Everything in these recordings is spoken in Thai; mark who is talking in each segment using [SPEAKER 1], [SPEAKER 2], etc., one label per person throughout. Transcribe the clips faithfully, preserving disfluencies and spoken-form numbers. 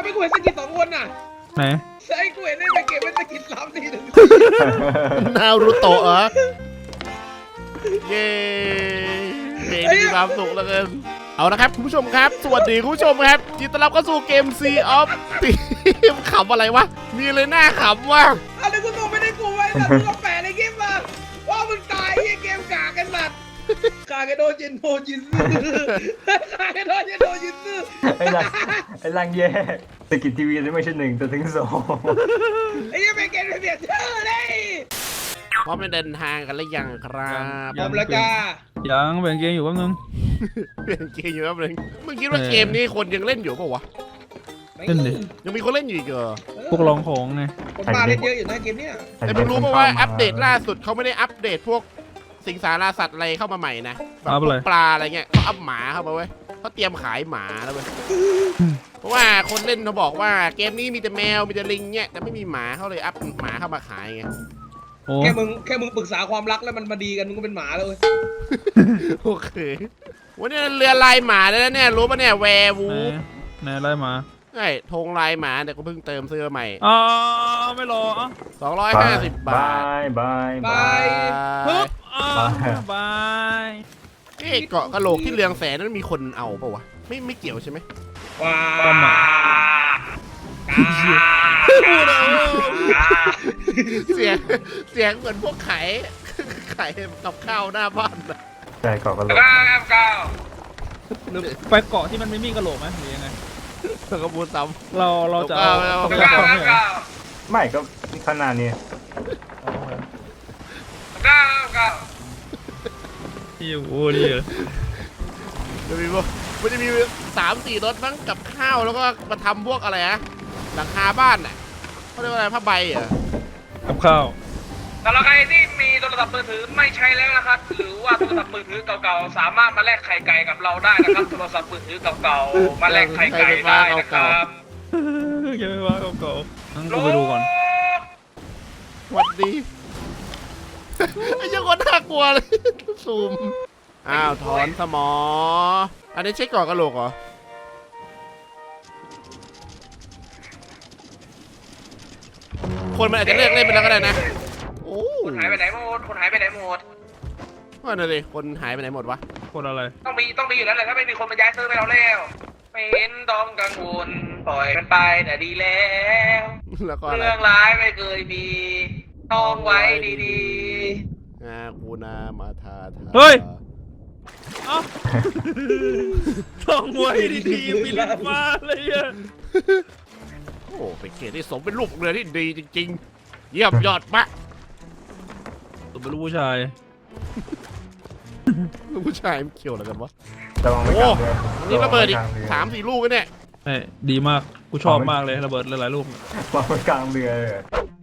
[SPEAKER 1] ไม่กูเห็นสกิดสองคนน่ะ
[SPEAKER 2] ไหน
[SPEAKER 1] ใช่กูเห็นได้ไปเก็บเป็นสกิดสามสี่หนึ่ง
[SPEAKER 3] นารูโตะเหรอเย้เพลงมีความสุขเหลือเกินเอาละครับคุณผู้ชมครับสวัสดีคุณผู้ชมครับยินดีต้อนรับเข้าสู่เกม Sea of Thieves ขำอะไรวะมีเลยหน้าขำว่ะ
[SPEAKER 1] อะไรกูส่งไม่ได้กูไว้แต่กูก็แปะในเกมมาว่ามึงตายไอ้เกมกากันสัตว์กากันโดจินโมจินซึกากันโดจินโมจินซึ
[SPEAKER 4] ไอ้ลังไอ้ลังแย่สกิททีวีไม่ใช่หนึ่งแต่ถึงสอง
[SPEAKER 1] ไอ้ยังไม่เกมเปลี่ยนชื่อเลย
[SPEAKER 3] พร้อมเดินทางกันหรือยังครับ
[SPEAKER 1] พร้อมแล้วจ้า
[SPEAKER 2] ยังแบ่งเกมอยู่แป๊บนึง
[SPEAKER 3] เปลี่ยนเกมอยู่แป๊บนึงมึงคิดว่าเกมนี้คนยังเล่นอยู่เปล่าวะ
[SPEAKER 2] เล่นดิ
[SPEAKER 3] ยังมีคนเล่นอยู่อีกเหรอ
[SPEAKER 2] พวกลองของไง
[SPEAKER 1] คนมาเล่นเยอะอยู่นะเกมเนี้ย
[SPEAKER 3] แต่มึงรู้ป่าวว่าอัปเดตล่าสุดเขาไม่ได้อัปเดตพวกสิงสาราสัตว์อะไรเข้ามาใหม่นะแบบปลาอะไรเงี้ยเขาอัพหมาเข้ามาเว้ยเขาเตรียมขายหมาแล้วเว้ยเพราะว่าคนเล่นเขาบอกว่าเกมนี้มีแต่แมวมีแต่ลิงเนี่ยแต่ไม่มีหมาเขาเลยอัพหมาเข้ามาขายไง
[SPEAKER 1] แค่มึงแค่มึงปรึกษาความรักแล้วมันมาดีกันมึงก็เป็นหมาแล้วเว้ย
[SPEAKER 3] โอเควันนี้เรือลายหมาแล้วเนี่ยรู้ป่ะเนี่ยแวร์วูฟ
[SPEAKER 2] ไหนลายหมา
[SPEAKER 3] ใช่ธงลายหมาแต่ก็เพิ่งเติมเสื้อใหม่
[SPEAKER 2] อ๋อไม่รอ
[SPEAKER 3] สองร้อยห้าสิบบาท
[SPEAKER 4] บายบ
[SPEAKER 1] าย
[SPEAKER 2] ปึ๊บบาย
[SPEAKER 3] นี่เกาะกะโหลกที่เรืองแสนนั้นมีคนเอาป่าวะไม่ไม่เกี่ยวใช่ไหม
[SPEAKER 1] ว้า
[SPEAKER 3] เสียงเสียงเหมือนพวกไข่ไข่กับข้าวหน้าบ้านนะ
[SPEAKER 4] ใช่เกาะกะโหลก
[SPEAKER 2] ไปเกาะที่มันไม่มีกะโหลกไหมหรือยังไง
[SPEAKER 3] ก็พูดซ้ำ
[SPEAKER 2] เราเราจะ
[SPEAKER 4] ไม่ก็ขนาดนี้
[SPEAKER 2] ที่อยู่โอ้ดีเลย
[SPEAKER 3] จะมีพวกมันจะมีสามสี่รถมั้งกับข้าวแล้วก็มาทำพวกอะไรนะหลังคาบ้านน่ะเขาเรียกว่าอะไรผ้าใบเหรอ
[SPEAKER 2] กับข้าว
[SPEAKER 1] สำหรับใครที่มีโทรศัพท์มือถือไม่ใช้แล้วนะครับหรือว่าโทรศัพท์มือถือเก่าๆสามารถมาแลกไข่ไก่กับเราได้นะครับโทรศัพท์มือถือเก่าๆมาแลกไข่ไก่ได้นะครับ
[SPEAKER 2] ยังไม่ว่าเก่าๆงั้นกูไปดูก่อน
[SPEAKER 3] สวัสดีไอ้ยังคนน่ากลัวเลยซูมอ้าวถอนสมออันนี้เช็คก่อนกระโหลกเหรอคนมันอาจจะเลิกเล่นไปแล้วก็ได้นะโอ้
[SPEAKER 1] คนหายไปไหนหมดคนหายไปไหนหมด
[SPEAKER 3] ว่านั่นเลยคนหายไปไหนหมดวะ
[SPEAKER 2] คนอะไร
[SPEAKER 1] ต้องมีต้องมีอยู่แล้วแหละถ้าไม่มีคนมาย้ายเซิร์ฟไปเราแล้วไม่เห็นต้องกังวลปล่อยมันไปแต่ดีแล้วเรื่องร้ายไม่เคยมีต้องไว้ดี
[SPEAKER 3] ๆงาคูนามาทาทา
[SPEAKER 2] เฮ้ยต้องไว้ดีๆมีลิ้นฟ้าเลยอะ
[SPEAKER 3] โอ้เป็นเกียรติที่สมเป็นลูกเรือที่ดีจริงๆเยี่ยมยอดมาก
[SPEAKER 2] ตัวเป็นลูกผู้ชาย
[SPEAKER 3] ลูกผู้ชายมันเกี่ยวอะไรกันวะ
[SPEAKER 4] โอ้
[SPEAKER 3] นี่ระเบิดอีกสามสี่ลูกกันเนี่ย
[SPEAKER 2] เฮ้ยดีมากกูชอบมากเลยระเบิดหลายๆลูก
[SPEAKER 4] วางไว้กลางเรือเลย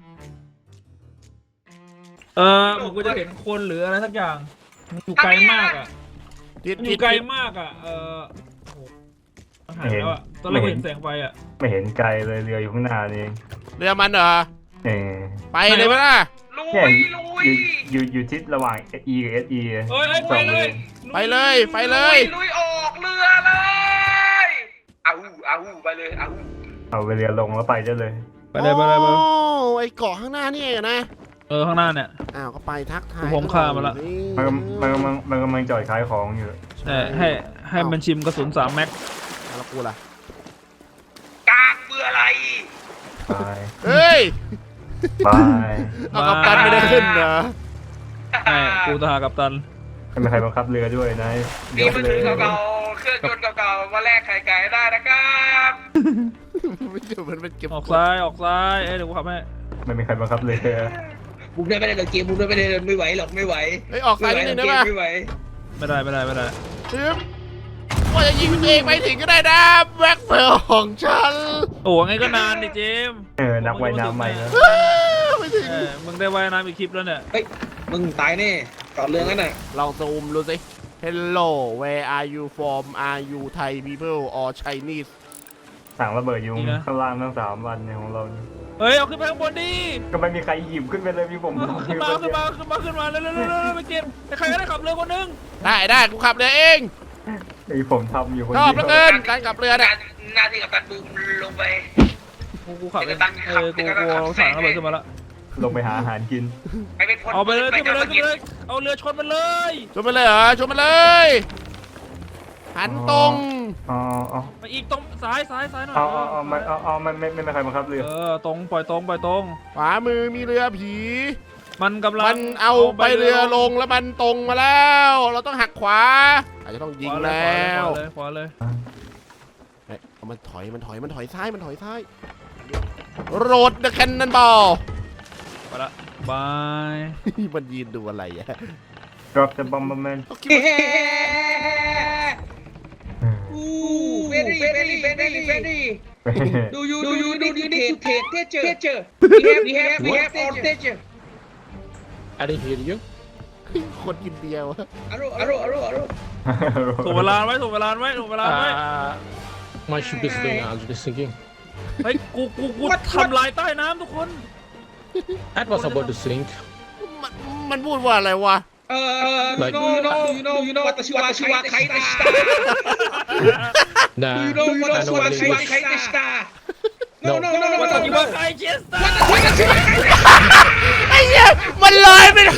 [SPEAKER 2] เออผมก็จะเห็นคนหรืออะไรสักอย่างมันอยู่ไกลมากอ่ะอยู่ไกลมากอ่ะเออหายแล้วอ่ะตอนแรกเห็นแสงไฟอ่ะ
[SPEAKER 4] ไม่เห็นไกลเลยเรืออยู่ข้างหน้านี่
[SPEAKER 3] เรือมันเหรอ
[SPEAKER 4] เออ
[SPEAKER 3] ไปเลยมั้ยล่ะ
[SPEAKER 1] ลุยลุย
[SPEAKER 4] อยู่อยู่ทิศระหว่าง E กับ S E
[SPEAKER 2] ไปเลย
[SPEAKER 3] ไปเลยไปเลย
[SPEAKER 1] ลุยออกเรือเลยเอาเอาไปเลยเอา
[SPEAKER 4] เอาไปเรือลงแล้วไปจะเลย
[SPEAKER 2] ไปเลยไปเลยไป
[SPEAKER 3] โอ้ไอเกาะข้างหน้านี่เองนะ
[SPEAKER 2] เออข้างหน้าเนี่ย
[SPEAKER 3] อ้าวก็ไปทักทาย
[SPEAKER 2] ผมข้ามาละ
[SPEAKER 4] มันมันมันมันกำลังจอดขายของอยู่
[SPEAKER 2] แต่ให้ให้มันชิมกระสุนสามแม็ก
[SPEAKER 3] แล้วกูล่ะ
[SPEAKER 1] กางเบื่ออะไร
[SPEAKER 3] เฮ้ย
[SPEAKER 4] ไป
[SPEAKER 3] เอากัปตันไม่ได้ขึ้นนะ
[SPEAKER 2] ไอ้กูทหารกัปตัน
[SPEAKER 4] ไม่มีใครบังคับเรือด้วยนาย
[SPEAKER 1] มีมือถือเก่าๆเครื่องยนต์เก่าๆมาแลกไข่ไก่ได้นะครับ
[SPEAKER 3] ไม่เจอมันเป็นเก็บ
[SPEAKER 2] ออกซ้ายออกซ้ายเอ้ยเดี๋ยวกูขับให้
[SPEAKER 4] ไม่มีใครบังคับเรือ
[SPEAKER 1] บุกได้ไม่ได้เลยเกมบุกได้ไม่ได้ไม่ไหวหรอกไม่ไหว
[SPEAKER 3] เฮ้ยออกซ้ายนิดนึงได้ป่ะ
[SPEAKER 1] ไม่ไหว
[SPEAKER 2] ไม่ได้ไม่ได้ไม่ได้
[SPEAKER 3] ซึมว่าจะยิงตัวเองไปถึงก็ได้นะแบ็คเพิร์ลของฉัน
[SPEAKER 2] โอ้ไงก็นานดิเจม
[SPEAKER 4] เออนักว่ายน้ำใหม่แล้ว
[SPEAKER 2] ไม่ถึงมึงได้ว่ายน้ำอีกคลิปแล้วเนี่ย
[SPEAKER 1] เฮ้ยมึงตายแน่ก่อนเรื่องนั้นน่ะ
[SPEAKER 3] ลองซูมดูสิ Hello where are you from are you Thai people or Chinese
[SPEAKER 4] สั่งระเบิดยุงข้างล่างทั้งสามวันเนี่ยของเรา
[SPEAKER 2] เฮ้ยเอาขึ้นไปข้างบนดิ
[SPEAKER 4] ก็ไม่มีใครหยิบขึ้นไปเลยมีผม
[SPEAKER 2] ขึ้นมาขึ้นมาขึ้นมาขึ้นมาเร็วเร็วเร็วไปเก็บใครก็ได้ขับเรือคนนึง
[SPEAKER 3] ได้ได้กูขับเรือเอง
[SPEAKER 4] ไอผมทำอยู่คนเดียว
[SPEAKER 3] ชอบเหลือเกินการขับเรือเนี่ย
[SPEAKER 1] หน้าที่กับการบูมลงไป
[SPEAKER 2] กูขับเองเออกูกูเอาสั่งระเบิดขึ้นมาละ
[SPEAKER 4] ลงไปหาอาหารกิน
[SPEAKER 1] ไปเป็นคน
[SPEAKER 2] เอาไปเลยขึ้นไปเลยขึ้นไปเลยเอาเรือชนมันเลย
[SPEAKER 3] ชนไปเลยเหรอชนไปเลยหันตรง
[SPEAKER 4] อ๋ออ๋อ
[SPEAKER 2] ไปอีกตรงซ้ายซ้ายซ้ายหน่อย
[SPEAKER 4] อ๋ออ๋อไม่อ๋ออ๋อไม่ไม่ไม่ไม่ใครบังคับเรือ
[SPEAKER 2] เออตรงปล่อยตรงปล่อยตรง
[SPEAKER 3] ขวามือมีเรือผี
[SPEAKER 2] มันกำลัง
[SPEAKER 3] มันเอาไปเรือลงแล้วมันตรงมาแล้ว เราต้องหักขวาอาจจะต้องยิงแล้ว
[SPEAKER 2] ขวาเลยขวาเลย
[SPEAKER 3] เฮ้ยเอามันถอยมันถอยมันถอยซ้ายมันถอยซ้ายโรดเดอะแคนนอนบอล
[SPEAKER 2] ไปละบาย
[SPEAKER 3] มันยืนดูอะไรอะ
[SPEAKER 4] drop the bomberman
[SPEAKER 1] เฮ้อู้เวรี่เวรี่เวรี่เวรี่ดูยูดูยูดูยูนี่เทสเทสเจอร์เทสเจอร์ we have we have we have all เทสเจอร์
[SPEAKER 5] I didn't hear you.
[SPEAKER 3] คนอินเดียวะ
[SPEAKER 1] อารมณ์อารมณ์อารมณ์อารมณ์
[SPEAKER 2] ถูกเวลาไว้ถูกเวลาไว้ถูกเวลาไว้
[SPEAKER 5] Uh, my ship is going. I was just thinking.
[SPEAKER 2] เฮ้ยกูกูกูทำลายใต้น้ำทุกคน
[SPEAKER 5] That was about to sink.
[SPEAKER 3] มันมันพูดว่าอะไรวะ
[SPEAKER 1] เออ
[SPEAKER 5] Like-
[SPEAKER 1] you know you know you know วัตชิวะชิวะไคเตสตา
[SPEAKER 5] Nah,
[SPEAKER 1] you know
[SPEAKER 5] I
[SPEAKER 1] วัต
[SPEAKER 5] know
[SPEAKER 1] ชิวะ
[SPEAKER 5] what
[SPEAKER 1] ชิวะ
[SPEAKER 5] English.
[SPEAKER 1] ไคเตสตา no no no no
[SPEAKER 2] วั
[SPEAKER 1] วั
[SPEAKER 2] ต
[SPEAKER 1] ต
[SPEAKER 2] ถุ
[SPEAKER 1] ชิ
[SPEAKER 2] ดิ
[SPEAKER 1] วะ
[SPEAKER 2] บไคเชสตา
[SPEAKER 1] วัตชิวะไคเตสตา
[SPEAKER 3] ไอ้เหี้ยมันลอยไปเลย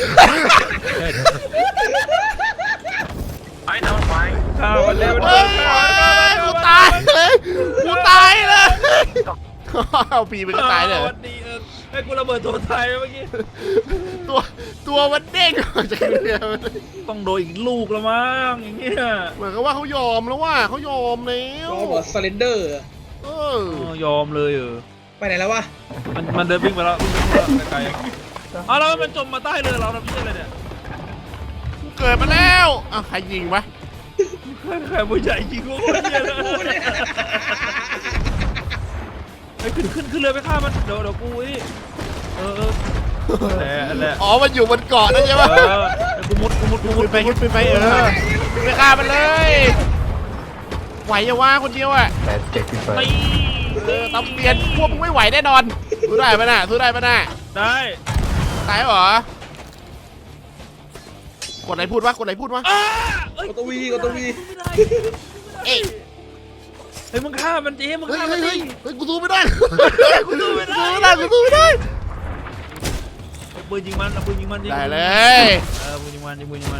[SPEAKER 2] ข้าวมันเร็ว
[SPEAKER 3] เฮ้ยกูตายเลยกูตายเลยเอาปีไปก็ตายเลย
[SPEAKER 2] วันดีเออให้กูระเบิดตัวไทยเมื่อกี้
[SPEAKER 3] ตัวตัวมันเด้งออกจากเรือ
[SPEAKER 2] ต้องโดนอีกลูกแล้วมั้งอย่างเงี้ย
[SPEAKER 3] เหมือนกับว่าเขายอมแล้วว่าเขายอมแล้ว
[SPEAKER 1] โอ้โหสเลนเดอร์
[SPEAKER 3] เอ
[SPEAKER 2] เอ
[SPEAKER 3] อ
[SPEAKER 2] อยอมเลยเออ
[SPEAKER 1] ไปไหนแล้ววะ
[SPEAKER 2] มันมันเดินวิ่งไปแล้ววิ่งไปไกลๆอ้าวแล้วมันจมมาใต้เรือเราทำยังไงเนี่ย
[SPEAKER 3] กูเกิดมาแล้วอ้าวใครยิงวะ
[SPEAKER 2] ใครผู้ใหญ่จริงวะคนเนี้ยเลยไอ้ขึ้นขึ้นขึ้นเรือไปฆ่ามันเดี๋ยวเดี๋ยวกูนี่เออเออแหละแหละ
[SPEAKER 3] อ๋อมันอยู่บนเกาะนั่นใช่ปะ
[SPEAKER 2] เออกูมุดกูมุดกูมุ
[SPEAKER 3] ขึ้
[SPEAKER 2] ด
[SPEAKER 3] นไปขึ้นไปไปเออไปฆ่ามันเลยไหวยังวะคนเดียวอ่ะ
[SPEAKER 4] แต่เจ็กขึ้นไป
[SPEAKER 2] ตี
[SPEAKER 3] เออตำเปลี่ยนพวกมึงไม่ไหวแน่นอนสู้ได้ปะน่ะสู้ได้ปะน่ะ
[SPEAKER 2] ได้
[SPEAKER 3] ตายเหรอกดไหนพูดวะกดไหนพูดวะ
[SPEAKER 2] อ้าเอ้ย
[SPEAKER 1] กดตัววีกดตัววี
[SPEAKER 2] ไม่ได้
[SPEAKER 3] เอ้ย
[SPEAKER 2] เฮ้ยมึงฆ่ามันจีมึง
[SPEAKER 3] เฮ้ย
[SPEAKER 2] ฆ่า
[SPEAKER 3] เฮ้
[SPEAKER 2] มัน
[SPEAKER 3] ย
[SPEAKER 2] ดิ
[SPEAKER 3] เฮ้ยกูสู้ไม่ได้
[SPEAKER 2] กูสู้ไม่ได้
[SPEAKER 3] สู้ไม่ได้กูสู้ไม่ได้
[SPEAKER 2] เอาปืนยิงมันเอาปืนยิงมันยิง
[SPEAKER 3] ได้
[SPEAKER 2] มัน
[SPEAKER 3] เลย
[SPEAKER 2] เออปืนยิงมันยิงปืนยิงมัน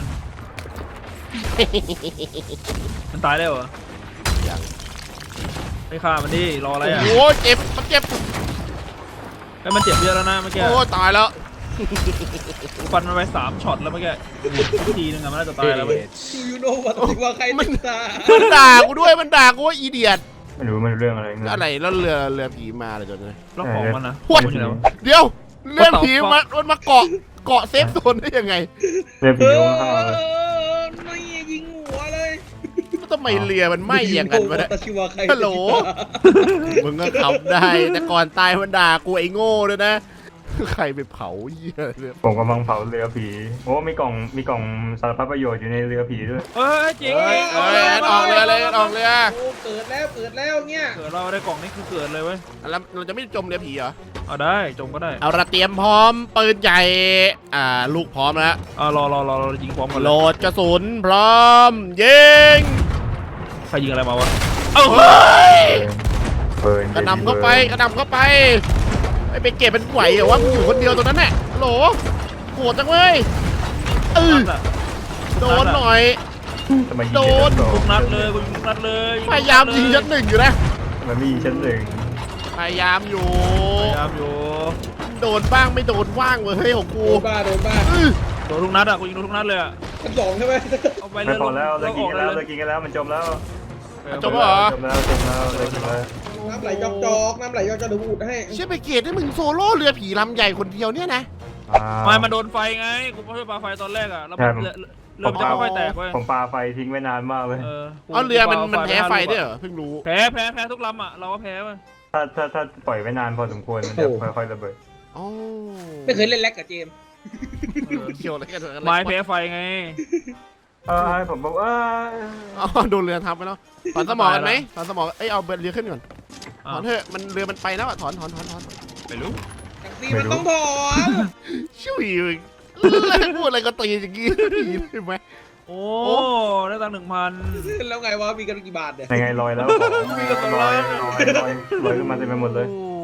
[SPEAKER 2] มันตายแล้วเหรอ
[SPEAKER 3] ยัง
[SPEAKER 2] ไม่ฆ่ามันดิรออะไร
[SPEAKER 3] โอ้
[SPEAKER 2] อ่ะ
[SPEAKER 3] โหเจ็บมันเจ็บ
[SPEAKER 2] ไอ้มันเจ็บเยอะแล้วนะเมื่อกี้
[SPEAKER 3] โอ้ตายแล้ว
[SPEAKER 2] กูฟันมันไปสามช็อตแล้วเมื่อกี้ทีนึงอะมันน่าจะตายแล้วเว้ย
[SPEAKER 5] Idiots.
[SPEAKER 1] ดูยูโน่วัตชิวะไคเตสตา
[SPEAKER 3] มันด่ากูด้วยมันด่ากูว่าอีเดียต
[SPEAKER 4] ไม่รู้มันเรื่องอะไรเงี้ย
[SPEAKER 3] อะไรแล้วเรือเรือผีมาอะไรจนเลย
[SPEAKER 2] แล้วของมันนะ
[SPEAKER 3] พวด
[SPEAKER 2] มันอยู่ไหนวะ
[SPEAKER 3] เดี๋ยวเรื่องผี
[SPEAKER 2] What the
[SPEAKER 3] มา
[SPEAKER 2] fuck?
[SPEAKER 3] มันมาเกาะเกาะเซฟโซนได้ยังไง
[SPEAKER 4] เรือ
[SPEAKER 1] เอ
[SPEAKER 4] ผี
[SPEAKER 1] อ
[SPEAKER 4] โยงข้างเลย
[SPEAKER 1] ไม่ยิงหัวเลย
[SPEAKER 3] ทำไมเรือมันไหม้อย่างนั้นวะเนี่ย
[SPEAKER 1] วัตชิวะไคเตสตา
[SPEAKER 3] ฮัลโหล มึงก็ขับได้แต่ก่อนตายมันด่ากูไอ้โง่ด้วยนะ ใครไปเผาเหี้ยเนี่ย
[SPEAKER 4] ผมกำลังเผาเรือผีโอ้มีกล่องมีกล่องสารพัดประโยชน์อยู่ในเรือผีด้วย
[SPEAKER 2] เฮ้ยจริง
[SPEAKER 3] เอ้ยเอ้ยแอนออกเรือเลยแอนออกเรือ
[SPEAKER 1] โอ้เกิดแล้วเกิดแล้วเนี่ย
[SPEAKER 2] เกิดเราได้กล่องนี่คือเกิดเลยเว้ย
[SPEAKER 3] แล้วเราจะไม่จมเรือผีเหรอ
[SPEAKER 2] เอาได้จงก็ได้
[SPEAKER 3] เอาระเตรียมพร้อมปืนใหญ่อ่าลูกพร้อมแล้ว
[SPEAKER 2] อ่ารอรอรอรอยิงพร้อมกัน
[SPEAKER 3] โห
[SPEAKER 2] เล
[SPEAKER 3] ล
[SPEAKER 2] ย
[SPEAKER 3] ดกระสุนพร้อมยิง
[SPEAKER 2] ใครยิงอะไรมาวะเอ้า
[SPEAKER 3] เฮ้ย
[SPEAKER 4] เบิร์น
[SPEAKER 3] กระหนำเข้าไปกระหนำเข้าไปไอ้ไปเก็บเป็นไหวเหรอวะมึงอยู่คนเดียวตรงนั้นแหละฮัลโหลโหดจังเว้ยเออ
[SPEAKER 2] นัดอะ
[SPEAKER 3] โดนหน่อย
[SPEAKER 4] ทำไมยิง
[SPEAKER 3] โดน
[SPEAKER 4] ชั้นสอง
[SPEAKER 2] ทุกนัดเลยกูยิงทุกนัดเลย
[SPEAKER 3] พยายามยิงชั้นหนึ่งอยู่นะ
[SPEAKER 4] มันมีชั้นหนึ่ง
[SPEAKER 3] พยายามอยู่
[SPEAKER 2] พยายามอยู่
[SPEAKER 3] โดนบ้างไม่โดนว่างเว้ยเฮ้ยของกู
[SPEAKER 1] โดนบ้าโดนบ้า
[SPEAKER 3] อื้อ
[SPEAKER 2] โดนทุกนัดอะกูยิงทุกนัดเลยอะ
[SPEAKER 1] ชั้นสองใช่ไหม
[SPEAKER 2] เอาไปเล
[SPEAKER 4] ไม่
[SPEAKER 2] ย
[SPEAKER 4] พอแล้วเลิกกินกันแล้ว
[SPEAKER 2] เล
[SPEAKER 4] เลิ
[SPEAKER 2] ย
[SPEAKER 4] กกินกันแล้วมันจมแล้ว
[SPEAKER 3] จบแล้วเหรอ
[SPEAKER 4] จมแล้วจมแล้วเลิกกินแล้ว
[SPEAKER 1] น้ำไหลจอกจอกน้ำไหลจอกจอกเดี๋ยวกูอุดให้
[SPEAKER 3] เชื่อไปเกตได้มึงโซโล่เรือผีลำใหญ่คนเดียวเนี่ยนะ
[SPEAKER 2] ไม่มันโดนไฟไงกูไม่ได้ปาไฟตอนแรกอะแล้วมันเรือเรือมันจะค่อยๆแตกเว้ย
[SPEAKER 4] ผมปาไฟทิ้งไว้นานมากเลย
[SPEAKER 2] เออ
[SPEAKER 3] เอาเรือมันมัน
[SPEAKER 2] ปา
[SPEAKER 3] แพ้ไฟ
[SPEAKER 2] ห้าลูกอะ
[SPEAKER 3] ด้วยเหรอเพิ่งรู้
[SPEAKER 2] แพ้แพ้แพ้ทุกลำอ่ะเราก็แพ้เว้ย
[SPEAKER 4] ถ้าถ้าถ้าปล่อยไว้นานพอสมควรมันจะค่อยๆระเบิด
[SPEAKER 3] อ๋อ
[SPEAKER 1] ไม่เคยเล่นแล็กกับเจมส์
[SPEAKER 3] เกี่ยวอะไรกันเหรอ
[SPEAKER 2] ไม้แพ้ไฟไง
[SPEAKER 4] เออให้ผมบอกว่า
[SPEAKER 3] อ๋อโดนเรือทับไปแล้วถอนสมองกันไหมถอนสมองเอ้ยเอาเรือขึ้นก่อนถอนเถอะมันเรือมันไปแล้วอะถอนถอนถอนถอน
[SPEAKER 2] ไม่รู้
[SPEAKER 1] จากซีมันต้องถอน
[SPEAKER 3] ชิวอีกพูดอะไรก็ตีอย่างงี้ใช่ไหม
[SPEAKER 2] โอ้ได้ตังค์หนึ่งพัน
[SPEAKER 1] แล้วไงวะมีกันกี่บาทเนี่ย
[SPEAKER 4] ยังไงลอยแล้วของลอยลอยลอยลอยขึ้นมาเต็มไปหมดเลย
[SPEAKER 3] โอ้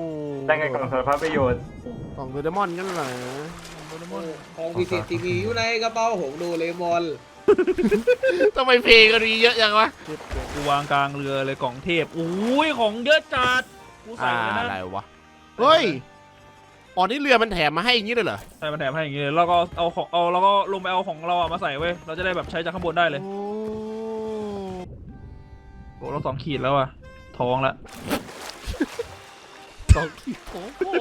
[SPEAKER 4] ได้ไงกล่องสารพัดประโยชน์
[SPEAKER 3] กล่องโดเรมอนกันเหรอ
[SPEAKER 1] ของพิเศษทีวีอยู่ในกระเป๋าของโดเรมอน
[SPEAKER 3] ทำไมเพลงก็มีเยอะจังวะ
[SPEAKER 2] กูวางกลางเรือเลยกล่องเทพอุ้ยของเยอะจัดกูใส่
[SPEAKER 3] อ่า
[SPEAKER 2] เลย
[SPEAKER 3] อะไร
[SPEAKER 2] นะ
[SPEAKER 3] วะเฮ้ยอ๋อนี่เรือมันแถมมาให้อย่างนี้เลยเหรอ
[SPEAKER 2] ใส่มาแถมให้อย่างงี้เลยแล้วก็เอาของเอาแล้วก็ลงไปเอาของเราอะมาใส่เว้ยเราจะได้แบบใช้จากข้างบนได้เลย
[SPEAKER 3] โอ้
[SPEAKER 2] โอ้เราสองขีดแล้วอะท้องละ
[SPEAKER 3] สองขีดโอ้โห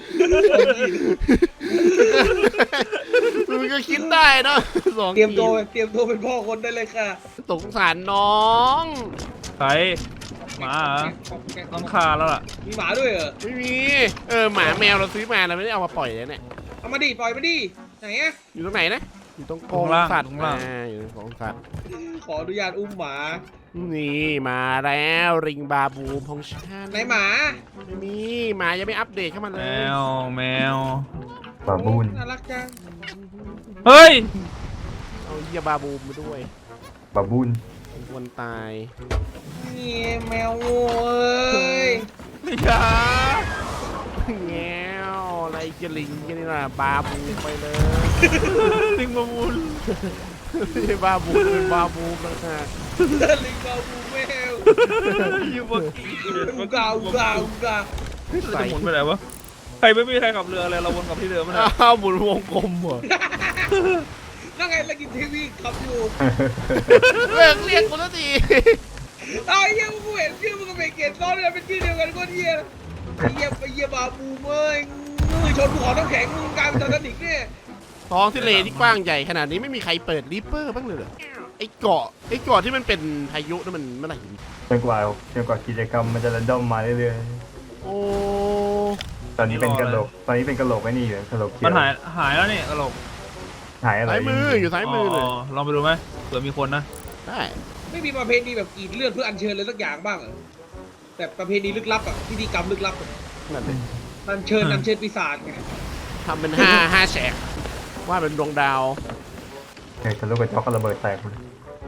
[SPEAKER 3] มึงก็คิดได้เนอะสอง
[SPEAKER 1] เตรียม
[SPEAKER 3] ขี
[SPEAKER 1] ตัว
[SPEAKER 3] ด
[SPEAKER 1] เตรียมตัวเป็นพ่อคนได้เลยค่ะ
[SPEAKER 3] สงสารน้อง
[SPEAKER 2] ใครหมาเหรอต้องคาแล้วล่ะ
[SPEAKER 1] มีหมาด้วยเหรอ
[SPEAKER 3] ไม่มีเออหมาแมวเราซื้อมาเราไม่ได้เอามาปล่อยเลยเนี่ย
[SPEAKER 1] เอามาดิปล่อยมาดิไหนอะ
[SPEAKER 3] อยู่ตรงไหนนะอยู่ตรงก
[SPEAKER 2] ตร
[SPEAKER 3] รง
[SPEAKER 2] งล่าง
[SPEAKER 3] สัตว์
[SPEAKER 2] ตรงล่าง
[SPEAKER 3] อ่าอยู่ตรงกรงสัตว์
[SPEAKER 1] ขออนุญาตอุ้มหมา
[SPEAKER 3] นี่มาแล้วริงบาบูมของฉัน
[SPEAKER 1] ไหนหมา
[SPEAKER 3] ไม่มีหมายังไม่อัปเดตเข้ามาเล
[SPEAKER 2] แม
[SPEAKER 3] ยว
[SPEAKER 2] แมว
[SPEAKER 4] บาบูน
[SPEAKER 1] น่ารักจัง
[SPEAKER 2] เฮ้ย
[SPEAKER 3] เอาเฮียบาบูมมาด้วย
[SPEAKER 4] บาบูน
[SPEAKER 3] ผมควรตาย
[SPEAKER 1] นี่แมวโว้ย
[SPEAKER 2] อย่า
[SPEAKER 3] แง้วอะไรจะลิงกันนี่นะบาบูมไปเลย
[SPEAKER 2] ลิงมามูล
[SPEAKER 3] ไม่ใช่บาบูมเป็นบาบูมนะฮะ
[SPEAKER 1] ลิงเกาบูแมว
[SPEAKER 2] อยู่บนกี
[SPEAKER 1] อูกาอูกาอูกา
[SPEAKER 2] จะหมุนไปไหนวะใครไม่มีใครขับเรืออะไรเราวนกลับที่เดิมไม่ได้
[SPEAKER 3] อ้าวหมุนวงกลมเหรอ
[SPEAKER 1] นั่งไงแล้วกินทีวีขับอยู่
[SPEAKER 3] เลิกเรียกกูแล้วที
[SPEAKER 1] เอาไอ้เหี้ยกูเห็นชื่อมึงกับเบเกตซ้อนกันเป็นชื่อเดียวกันก็เหี้ยไอ้เหี้ยไอ้เหี้ยบาบูเม้ยมึงชนภูเขาน้ำแข็งมึงกลายเป็นไททานิกเนี่ย
[SPEAKER 3] ท้องทะเลที่กว้างใหญ่ขนาดนี้ไม่มีใครเปิดริปเปอร์บ้างเลยเหรอไอ้เกาะไอ้เกาะที่มันเป็นพายุนั่นมันเมื่อไหร่
[SPEAKER 4] จนกว่าจนกว่ากิจกรรมมันจะระดมมาเรื่อย
[SPEAKER 3] โอ้
[SPEAKER 4] ๆตอนนี้เป็นกระโหลกตอนนี้เป็นกระโหลกไอ้นี่อยู่กระโหลกเขีย
[SPEAKER 2] มัน
[SPEAKER 4] ว
[SPEAKER 2] หายหายแล้วนี่ตลก
[SPEAKER 4] หายอะไร
[SPEAKER 3] ซ้ายมืออยู่ซ้ายมือเลย
[SPEAKER 2] ลองไปดูไหมเผื่อมีคนนะ
[SPEAKER 3] ได้
[SPEAKER 1] ไม่มีประเพณีแบบกรีดเลือดเพื่ออัญเชิญเลยสักอย่างบ้างเหรอแต่ประเพณีลึกลับอ่ะพิธีกรรมลึกลับอะ
[SPEAKER 3] นั่นเลย
[SPEAKER 1] อัญเชิญอัญเชิญปีศาจไง
[SPEAKER 3] ทำเป็นห้าห้าแฉกว่าเป็นดวงดาว
[SPEAKER 4] เฮ้ยทะลุกระจกก็ระเบิดแตกหมด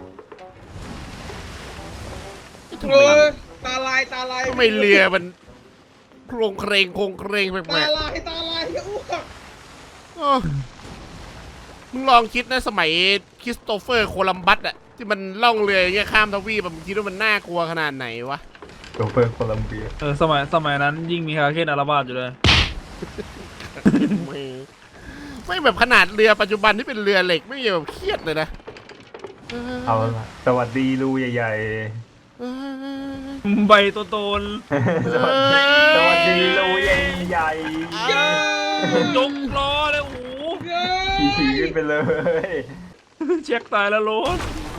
[SPEAKER 3] ทำไม
[SPEAKER 1] โอ้ยตาลายตาลาย
[SPEAKER 3] ทำไมเรือมันโครงเครงโครงเครงแป
[SPEAKER 1] ตา
[SPEAKER 3] ลก
[SPEAKER 1] ลายตาลายอย่าอ้วก
[SPEAKER 3] ๆเออมึงลองคิดนะสมัยคริสโตเฟอร์โคลัมบัสอะที่มันล่องเรืออย่างเงี้ยข้ามทวีปอะมึงคิดว่ามันน่ากลัวขนาดไหนวะ
[SPEAKER 4] โชเฟอร์โคลัมเบีย
[SPEAKER 2] เออสมัยสมัยนั้นยิ่งมีคาเคนอาราบาดอยู่เลย
[SPEAKER 3] ไม่ไม่แบบขนาดเรือปัจจุบันที่เป็นเรือเหล็กไม่แบบเครียดเลยนะ
[SPEAKER 4] เอาละสวัสดีรูใหญ่
[SPEAKER 3] เออ
[SPEAKER 2] ใบโตโตน
[SPEAKER 4] ๆสวัสดีสวัสดีรูใหญ่
[SPEAKER 1] เย้
[SPEAKER 2] ยกล้อเลยโอ้โห
[SPEAKER 1] เย้
[SPEAKER 4] ๆขี่ขี่ขึ้นไปเลย
[SPEAKER 2] เช็คตายแล้วโรส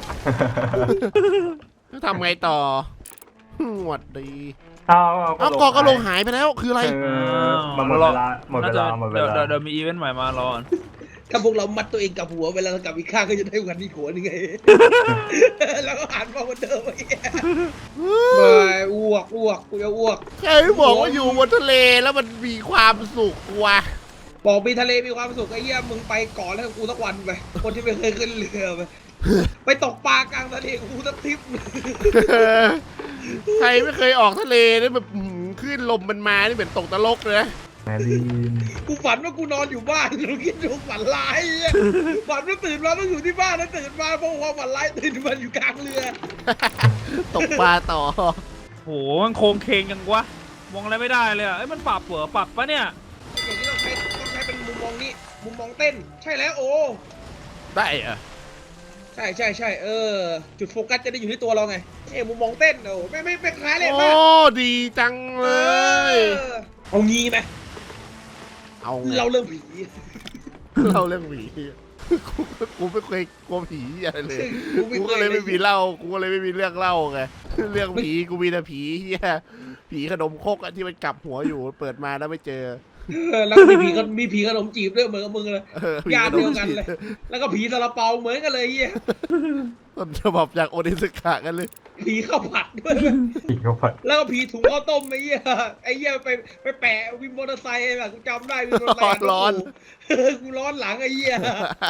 [SPEAKER 3] ทำไงต่อหวัดดี
[SPEAKER 4] เอา
[SPEAKER 3] เอากอกระโหลกหายไปแล้วคืออะไร
[SPEAKER 4] เออมันหมดเวลาหมดเวลาหมดเว
[SPEAKER 2] เดี๋ยว
[SPEAKER 4] ลา
[SPEAKER 2] เดี๋ยวมีอีเวนต์ใหม่มารอ
[SPEAKER 1] ถ้าพวกเรามัดตัวเองกับหัวเวลาเรากลับอีกข้างก็จะได้วันนี้หัวนึงไง แล้วก็หันมาเหมือนเดิมไอ้เหี้ยไม่อ้วกอ้วกกูจะอ้วก
[SPEAKER 3] ใครบอกว่าอยู่บนทะเลแล้วมันมีความสุขวะ
[SPEAKER 1] บอกมีทะเลมีความสุขไอ้เหี้ยมึงไปก่อนแล้วกูสักวันไปคนที่ไม่เคยขึ้นเรือไปไปตกปลากลางทะเลกับกูสักทริป
[SPEAKER 3] ใครไม่เคยออกทะเลนี่แบบอื้อหือคลื่นลมมันมานี่เหมือนตกนรกเลยนะ
[SPEAKER 4] แมรี่
[SPEAKER 1] กูฝันว่ากูนอนอยู่บ้านกูคิดดูฝันร้ายไอ้เหี้ยฝันว่าตื่นมาต้องอยู่ที่บ้านแล้วตื่นมาเพราะความฝันร้ายตื่นมาอยู่กลางเรือ
[SPEAKER 3] ตกปลาต่อ
[SPEAKER 2] โหมันโครงเคงยังวะมองอะไรไม่ได้เลยอ่ะเอ้ยมันปรับหัวปรับปะเนี่ย
[SPEAKER 1] อย่างนี้ต้องใช้ต้องใช้เป็นมุมมองนี้มุมมองเต้น ใช่แล้วโอ้
[SPEAKER 3] ได้เหรอะ
[SPEAKER 1] ใช่ใช่ใช่เออ จุดโฟกัสจะได้อยู่ที่ตัวเราไงเอ้มุมมองเต้นโอ้ไม่ไม่ไม่คล้ายเลย
[SPEAKER 3] โอ้
[SPEAKER 1] ป่ะ
[SPEAKER 3] ดีจังเลย
[SPEAKER 1] เออเอางี้ไหม
[SPEAKER 3] เอาไง
[SPEAKER 1] เราเรื่องผี
[SPEAKER 3] เล่าเรื่องผีกูกูไม่เคยกลัวผีอะไรเลย
[SPEAKER 1] กูไม่
[SPEAKER 3] กู
[SPEAKER 1] เค
[SPEAKER 3] ก็
[SPEAKER 1] ย
[SPEAKER 3] เลยไม่มีเล่ากูก็เลยไม่มีเรื่องเล่าไงเรื่องผีกูมีแต่ผีเฮียผีขนมครกอะที่มันกลับหัวอยู่เปิดมาแล้วไม่เจอ
[SPEAKER 1] เออแล้วก็มีผีก็มีผีขนมจีบด้วยเหมือนกับมึงเลย
[SPEAKER 3] เออผี
[SPEAKER 1] ญา
[SPEAKER 3] ข
[SPEAKER 1] ติ
[SPEAKER 3] น
[SPEAKER 1] เดีย
[SPEAKER 3] ม
[SPEAKER 1] วกัน
[SPEAKER 3] จีบ
[SPEAKER 1] เลย แล้วก็ผีซาลาเปาเหมือนกันเลยเฮีย
[SPEAKER 3] ต้นฉบับจากโอนิสกะกันเลย
[SPEAKER 1] ผีข้าวผัดด้วย
[SPEAKER 4] ขี่เข้าไป
[SPEAKER 1] แล้วก็ผีถุงข้าวต้มไอ้เหี้ยไอ้เหี้ยไปไปแปะวินมอเตอร์ไซค์แบบกูจำได้วินมอเตอร์ไซค์
[SPEAKER 3] ร้อน
[SPEAKER 1] เออกูร้อนหลังไอ้เหี้ย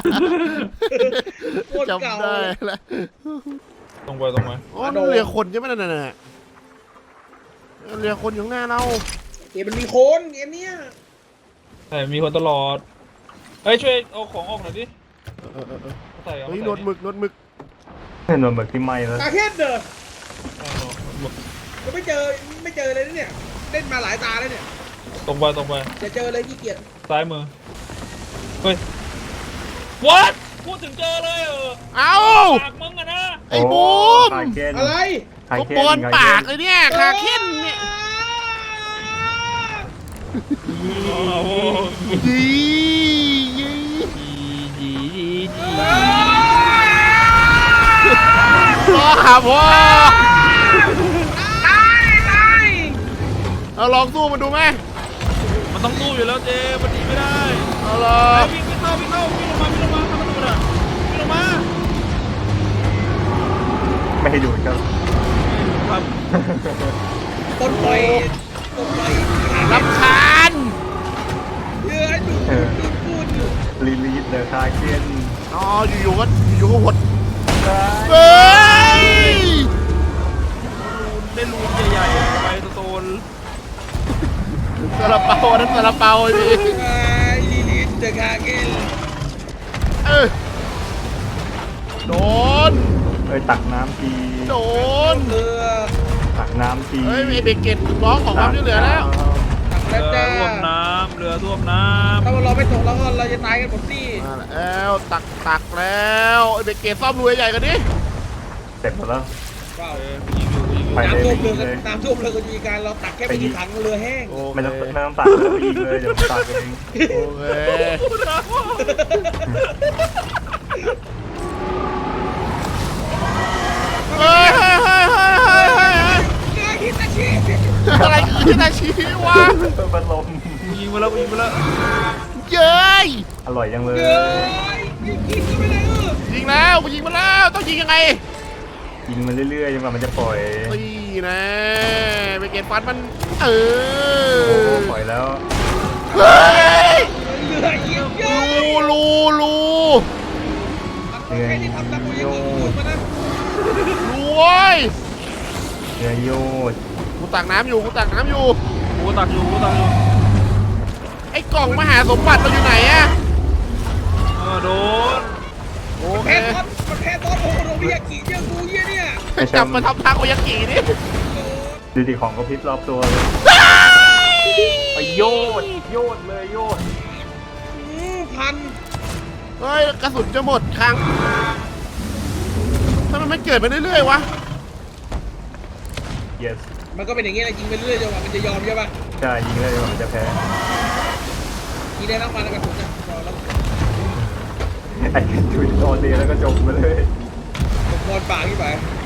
[SPEAKER 1] โคตรเก่า
[SPEAKER 3] จำได้แล้ว
[SPEAKER 2] ตรงไปตรงไป
[SPEAKER 3] อ๋อนั่นเรือคนใช่ไหมนั่นน่ะเรือคนอยู่ข้างหน้าเรา
[SPEAKER 6] เกมมันมีโคนเกมเนี้ย
[SPEAKER 2] แต่มีคนตลอดเฮ้ยช่วยเอาของออกหน่อยดิ
[SPEAKER 3] เออเออเออ
[SPEAKER 2] ใส่เอา
[SPEAKER 3] เฮ้ย
[SPEAKER 2] ใส่
[SPEAKER 3] นวดหมึกนวดหมึก
[SPEAKER 4] หนวดหมึกที่ไหม้แล้ว
[SPEAKER 6] ตาแค่เด้อ
[SPEAKER 2] เอาหมด
[SPEAKER 6] ก็ไม่เจอไม่เจอเลยนะเนี่ยเล่นมาหลายตาแล้วเนี่ย
[SPEAKER 2] ตรงไปตรงไป
[SPEAKER 6] จะเจอเลยขี้เกียจ
[SPEAKER 2] ซ้ายมือเฮ้ย what พูดถึงเจอเลยเออ
[SPEAKER 3] เอ้า
[SPEAKER 2] ปากมึงอะนะ
[SPEAKER 3] ไอ้บูม
[SPEAKER 4] คาเคน
[SPEAKER 6] อะไร
[SPEAKER 4] คา
[SPEAKER 3] เขา
[SPEAKER 4] เคน
[SPEAKER 3] ปอนปากเลยเนี่ยคาเค้นเนี่ย
[SPEAKER 2] โอ้โห
[SPEAKER 3] ยียี
[SPEAKER 2] จีจีจีจี
[SPEAKER 3] รอหาพ่อ
[SPEAKER 6] ตายตาย
[SPEAKER 3] เอาลองสู้มันดูไหม
[SPEAKER 2] มันต้องสู้อยู่แล้วเจมันหนีไม่ได้
[SPEAKER 3] เอาลอ
[SPEAKER 2] ไอ้
[SPEAKER 3] ง
[SPEAKER 2] วิ่งวิ่งเข้าวิ่งเข้าวิ่งลงมาวิ่งลงมาทำมันดูดอ่ะวิ่งลงมา
[SPEAKER 4] ไม่ให้ดูดครับ
[SPEAKER 2] ครับ
[SPEAKER 6] ต้นปล่อยต้นปล่อย
[SPEAKER 3] รำคาญ
[SPEAKER 6] เยอะดูดูพูดอยู่
[SPEAKER 4] ลีลีดเดอะคาเคน
[SPEAKER 3] อ๋ออยู่ๆก็อยู่ๆก็หดเฮ้ย
[SPEAKER 2] ได้รูนใหญ่ๆไปโตน
[SPEAKER 3] ซาลาเปาอันนั้นซาลาเปาไอ้พี่
[SPEAKER 6] ไอ้ลิลิทเดอะคาเกน
[SPEAKER 3] เออโดน
[SPEAKER 4] เอ้ยตักน้ำที
[SPEAKER 3] โดน
[SPEAKER 6] เรือ
[SPEAKER 4] ตักน้ำที
[SPEAKER 3] เฮ้ยไอ้เบเกตร้องขอความช่วยเหลือแล้ว
[SPEAKER 6] ตัก
[SPEAKER 2] ๆ
[SPEAKER 6] แล้ว
[SPEAKER 2] เรือ
[SPEAKER 6] จ้า
[SPEAKER 2] ท่วมน้ำเรือท่วมน้
[SPEAKER 6] ถ้าเราไม่ตกแล้วก็เราจะตายกันหมดที่
[SPEAKER 3] มาแล้วตักตักแล้วไอ้เบเกตซ่อมรวยใหญ่กันดิ
[SPEAKER 4] เสร็จหมดแล้ว
[SPEAKER 6] ว้าว
[SPEAKER 2] ำยิงอยู่ยิงอยู่
[SPEAKER 4] ไปเลย
[SPEAKER 6] น้ำท่วม
[SPEAKER 4] ไป
[SPEAKER 6] เรือ
[SPEAKER 4] เลย
[SPEAKER 6] น้ำท่วมเรือก็มีการเราตักแค่ไม่กี่ถังเรือแห้ง
[SPEAKER 3] โอ
[SPEAKER 4] ไม่
[SPEAKER 3] เค
[SPEAKER 4] ต้องไม่ต้องตักเลยไปยิงเลยเดี๋ยวผมตักเอง
[SPEAKER 3] โอเคเฮ้ยเฮ้ยเฮ้ยเฮ้ยเฮ้ยเฮ้ย
[SPEAKER 6] เรือฮิตาชิ
[SPEAKER 3] อะไรคือที่นาชีวะ
[SPEAKER 4] พัดลม
[SPEAKER 2] กูยิงมาแล้วกูยิงมาแล้ว
[SPEAKER 3] เย้ย
[SPEAKER 4] อร่อยจังเลย
[SPEAKER 6] เรือยิงยิงก็ไม่ได้เออ
[SPEAKER 3] ยิงแล้วกูยิงมาแล้วต้องยิงยังไง
[SPEAKER 4] ยิงมันเรื่อยๆจนกว่ามันจะปล่อย
[SPEAKER 3] นี่นะเบเกตฟันมันเอ
[SPEAKER 4] โอ้โห
[SPEAKER 3] อ
[SPEAKER 4] ปล่อยแล้ว
[SPEAKER 3] เฮ้ย
[SPEAKER 6] เรือยิงเยอะ
[SPEAKER 3] รูรูรู
[SPEAKER 6] แค่ที่ทำตะโกนยังยิงอยู่มานะ
[SPEAKER 3] รูเว้ย
[SPEAKER 4] เนื้อโยด
[SPEAKER 3] กูตักน้ำอยู่กูตักน้ำอยู่
[SPEAKER 2] กูตักอยู่กูตักอยู่
[SPEAKER 3] ไอ้กล่องมหาสมบัติเราอยู่ไหนอะ
[SPEAKER 2] เออโดน
[SPEAKER 3] โอเค
[SPEAKER 6] แพ้ตอนมันแพ้ตอนโอ้โหโรบิยากิเยอะกูเยี่ยเนี่ย
[SPEAKER 3] จับมาทำทางโอยากินี่
[SPEAKER 4] ดูดิของกระพริบรอบตัวเลยไปโยดโยดเลยโยด
[SPEAKER 6] อืมพัน
[SPEAKER 3] เฮ้ยกระสุนจะหมดครั้งทำไมมันเกิดไปเรื่อยๆวะ
[SPEAKER 4] yes
[SPEAKER 6] มันก็เป็นอย่างเงี้ยแหละยิงไปเรื่อยจนกว่ามันจะยอมใช่ป่ะ
[SPEAKER 4] ใช่ยิงเลยมันจะแพ้
[SPEAKER 6] ยิงได้ทั้งวันแล้วกันผมนะรอแล้ว
[SPEAKER 4] ไอ้ชุดออนเดย์แล้วก็จบไปเลย
[SPEAKER 6] ผมบอลปากที่ไป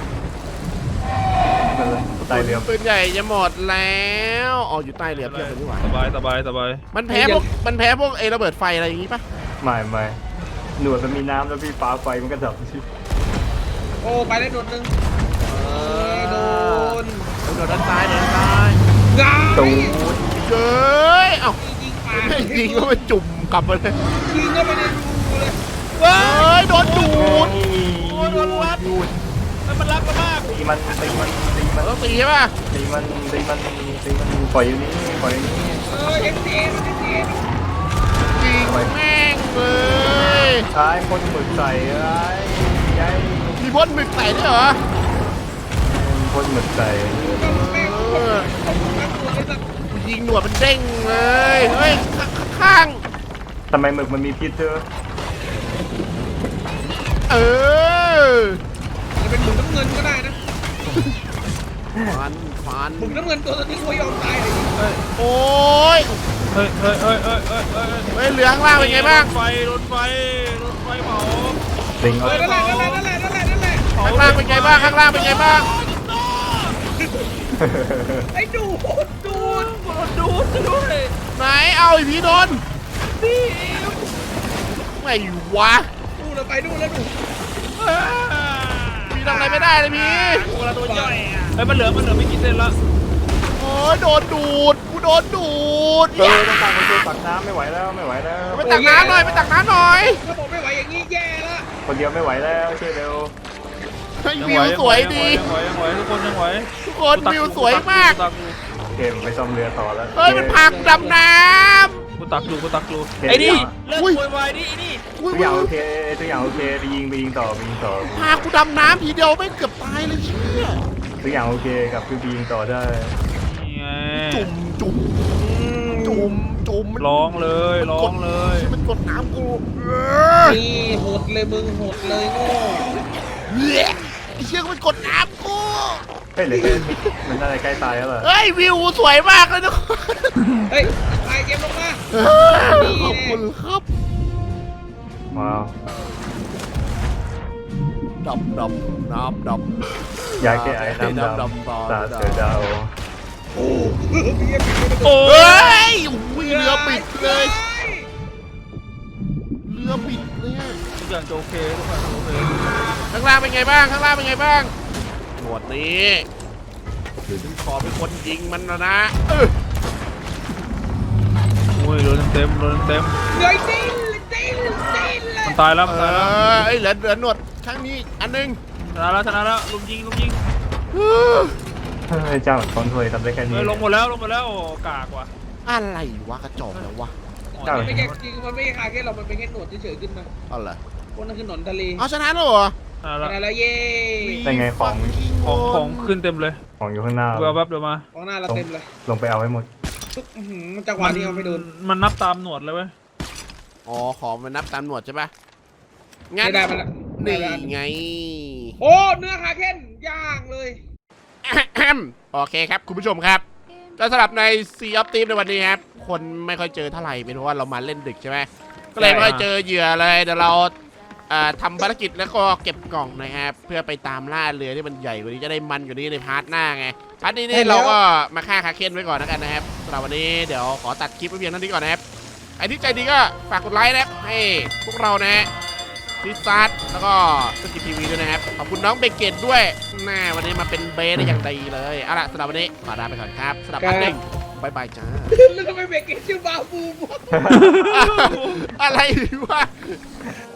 [SPEAKER 4] นั่นแหละใต้เรือ
[SPEAKER 3] ปืนใหญ่จะหมดแล้วอ๋ออยู่ใต้เรือเพียบเลยนี่หว่า
[SPEAKER 2] สบายสบายสบาย
[SPEAKER 3] มันแพ้พวกมันแพ้พวกเอระเบิดไฟอะไรอย่างงี้ปะ
[SPEAKER 4] ไม่ไม่หนวดมันมีน้ำแล้วพี่ฟ้าไฟมันก็ดับชิ
[SPEAKER 6] โอ้ไปได้โดดหนึ่งโดน
[SPEAKER 3] โดนด้านซ้ายโดนด้านซ้าย
[SPEAKER 6] งา
[SPEAKER 4] ตู
[SPEAKER 6] ย
[SPEAKER 4] ด
[SPEAKER 3] เย้ยเอ้า
[SPEAKER 6] ยิงปาก
[SPEAKER 3] ไม่ยิงก็มาจุ่มกลับมาเลย
[SPEAKER 6] ยิงก็ไม่ได้ดูเลย
[SPEAKER 3] เฮ้ยโดนดูด
[SPEAKER 2] โอ้ยโดนรัดแล้วมันรักเรามาก
[SPEAKER 4] ตีมันตีมันตีมัน
[SPEAKER 3] ต้องตีใช่ป่ะ
[SPEAKER 4] ตีมันตีมันตีมันปล่อยอยู่นี่ปล่อยอยู่นี่
[SPEAKER 6] เออเอ็มซีเอ็มซี
[SPEAKER 3] ยิงแม่งเลย
[SPEAKER 4] ท้ายคนหมึกใส่ไอ้ยัย
[SPEAKER 3] มีพ่นหมึกใส่ด้วยเหรอ
[SPEAKER 4] คนหมึกใส่
[SPEAKER 6] ก็แม่ง
[SPEAKER 3] เออ
[SPEAKER 6] ตกมาตัวเลยสัก
[SPEAKER 3] กูยิงหนวดมันเด้งเลยเฮ้ยขข้าง
[SPEAKER 4] ทำไมหมึกมันมีพิษเธอ
[SPEAKER 3] เออ
[SPEAKER 6] จะเป็นหมึกน้ำเงินก็ได้นะ
[SPEAKER 3] ฟันฟัน
[SPEAKER 6] หมึกน้ำเงินตัวนี้กูยอมตายเลย
[SPEAKER 3] โอ้ย
[SPEAKER 2] เฮ้ยเฮ้ยเฮ้ยเฮ้ยเฮ้ยเฮ้ย
[SPEAKER 3] เฮ้ยเหลือข้างล่างเป็นไงบ้าง
[SPEAKER 2] รถไฟรถไฟรถไฟเผา
[SPEAKER 4] ลิง
[SPEAKER 6] เอ
[SPEAKER 4] เอา
[SPEAKER 6] อนั่นแหละนั่นแหละนั่นแหละนั่นแหละนั่นแหละ
[SPEAKER 2] เผ
[SPEAKER 3] ข้างล่างเป็นไงบ้างข้างล่างเป็นไงบ้าง
[SPEAKER 6] ไอ้ดูดดูด
[SPEAKER 2] ดูดด้วย
[SPEAKER 3] ไหนเอาอีพีโดนไม่วะ
[SPEAKER 6] ดูเราไปดูแล้วดู
[SPEAKER 3] พี่ทำอะไรไม่ได้เลยพี่
[SPEAKER 2] กูละตัวย่อยอ่ะเฮ้ยมันเหลือมันเหลือไม่กี่เส้นละ
[SPEAKER 3] โอ้ยโดนดูดกูโดนดูด
[SPEAKER 4] เออต้องตักไปช่วยตักน้ำไม่ไหวแล้วไม่ไหวแล้ว
[SPEAKER 3] ไปตักน้ำหน่อยไปตักน้ำหน่อย
[SPEAKER 6] ถ้าผมไม่ไหวอย่างนี้แย่ละ
[SPEAKER 4] คนเดียวไม่ไหวแล้วช่วยเร็ว
[SPEAKER 3] ให้วิวสวยดี
[SPEAKER 2] ยังไหวยังไหวทุกคนยังไหว
[SPEAKER 3] ทุกคนวิวสวยมาก
[SPEAKER 2] ตักอยู่
[SPEAKER 4] เคผมไปซ่อมเรือต่อแล้ว
[SPEAKER 3] เฮ้ยมันพากูดำน้
[SPEAKER 2] กูตักอยู่กูตักอยู่
[SPEAKER 4] เห็น
[SPEAKER 2] ไอ้นี่
[SPEAKER 4] ยัง
[SPEAKER 2] เลิกโวยวายดิไอ้นี่
[SPEAKER 3] ำอุ้ย
[SPEAKER 4] ทุกอย่างโอเคทุกอย่างโอเคไปยิงไปยิงต่อไปยิงต่อ
[SPEAKER 3] พากูดำน้ำทีเดียวไม่เกือบตายเลยเชี่ย
[SPEAKER 4] ทุกอย่างโอเคกับคือไปยิงต่อได้
[SPEAKER 2] นี่ไง
[SPEAKER 3] จุ่มจุ่มจุ่มจุ่มมัน
[SPEAKER 2] ร้องเลยร้องเลย
[SPEAKER 3] ใช่มันกดน้ำกูเออ
[SPEAKER 6] นี่โหดเลยมึงโหดเลยโง่
[SPEAKER 3] ไอ้เชี่ยก็มันกดน้ำกู
[SPEAKER 4] เฮ้ยเหลือแค่มันอะไรใกล้ตายแล้วเหรอ
[SPEAKER 3] เฮ้ยวิวสวยมากเลยทุกคน
[SPEAKER 6] เฮ้ยไอเกมลงมา
[SPEAKER 3] ขอบคุณครับ
[SPEAKER 4] ว้าว
[SPEAKER 3] ดำดำน้ำดำ
[SPEAKER 4] ยาแก้ไอน้ำดำ
[SPEAKER 3] ดำ
[SPEAKER 4] ตาเสือดาว
[SPEAKER 6] โอ้เบียร์เบียร์
[SPEAKER 2] โอ้
[SPEAKER 3] เฮ้
[SPEAKER 2] ย
[SPEAKER 3] ยอุ้ยเรือปิดเลย เรือปิดเลยอะ
[SPEAKER 2] ทุกอย่างจะโอเคทุกอย่างจะโอเค
[SPEAKER 3] ข้างล่างเป็นไงบ้าง ข้างล่างเป็นไงบ้างหมวดนี้ฉันขอเป็นคนยิงมันนะนะเออ
[SPEAKER 2] โอ้ยโดนเต็มโดนเต็ม
[SPEAKER 6] เหนื่อยจริงจริงจริงเลย
[SPEAKER 2] มันตายแล้ว
[SPEAKER 3] เอ
[SPEAKER 2] มันตายแล้ว
[SPEAKER 3] อเอ้ยเหลือเหลือหนวดข้างนี้อันหนึง
[SPEAKER 2] ชนะแล้วชนะแล้วลุมยิงลุมยิง
[SPEAKER 3] เออ
[SPEAKER 4] เฮ้ยเจ้าคอนโทรลทำได้แค่นี้
[SPEAKER 2] เฮ้ยลงหมดแล้วลงหมดแล้วโอ้กากว่ะ
[SPEAKER 3] อะไรวะกระจอกแล้ววะ
[SPEAKER 4] เจ้า
[SPEAKER 6] มันไม่แค่จริงมันไม่ใช่คาแค่เรามันเป็นแค่หนวดเฉยๆขึ้นมา
[SPEAKER 3] เอาเหรอ
[SPEAKER 6] พวกนั้นคือหนอนทะเล
[SPEAKER 3] เอาชนะแล้วเหรอ
[SPEAKER 2] ชนะแล้ว
[SPEAKER 6] ชนะแล้วเย้
[SPEAKER 4] ได้ไงของ
[SPEAKER 2] ของของขึ้นเต็มเลย
[SPEAKER 4] ของอยู่ข้างหน้า
[SPEAKER 2] เดี๋ยวแป๊บเดี๋ยวมา
[SPEAKER 6] ของหน้าเราเต็มเลย
[SPEAKER 4] ลงไปเอาให้หมด
[SPEAKER 6] ทุกอื้อหือมันจังหวะนี้เอาไม่โดน
[SPEAKER 2] มันนับตามหนวดเลยเว้ย
[SPEAKER 3] อ๋อของมันนับตามหนวดใช่ปะงั้น
[SPEAKER 6] ไม่ได้มันละ
[SPEAKER 3] นี่
[SPEAKER 6] ได้ละ
[SPEAKER 3] ไง
[SPEAKER 6] โอ้เนื้อคาเค้นย่างเลย
[SPEAKER 3] โอเคครับคุณผู้ชมครับก็สำหรับใน Sea of Thieves ในวันนี้ครับคนไม่ค่อยเจอเท่าไหร่เป็นเพราะว่าเรามาเล่นดึกใช่ไหมก็เลยไม่ค่อยเจอเหยื่อเลยเดี๋ยวเราเอ่อทำภารกิจแล้วก็เก็บกล่องนะครับเพื่อไปตามล่าเรือที่มันใหญ่กว่านี้จะได้มันกว่านี้ในพาร์ทหน้าไงพาร์ทนี้นี่เราก็มาฆ่าคาเคนไว้ก่อนแล้วกันนะครับสำหรับวันนี้เดี๋ยวขอตัดคลิปไว้เพียงเท่านี้ก่อนนะครับไอ้ที่ใจดีก็ฝากกดไลค์นะครับให้พวกเรานะฮะซิซัสแล้วก็สกิปทีวีด้วยนะครับขอบคุณน้องเบเกตด้วยแน่วันนี้มาเป็นเบสได้อย่างดีเลยเอาล่ะสำหรับวันนี้ขอลาไปก่อนครับสำหรับพาร์ทหนึ่งบายบายจ้า
[SPEAKER 6] แล้วทำไมเบรกเกตชื่อบาบูม
[SPEAKER 3] อะไรวะ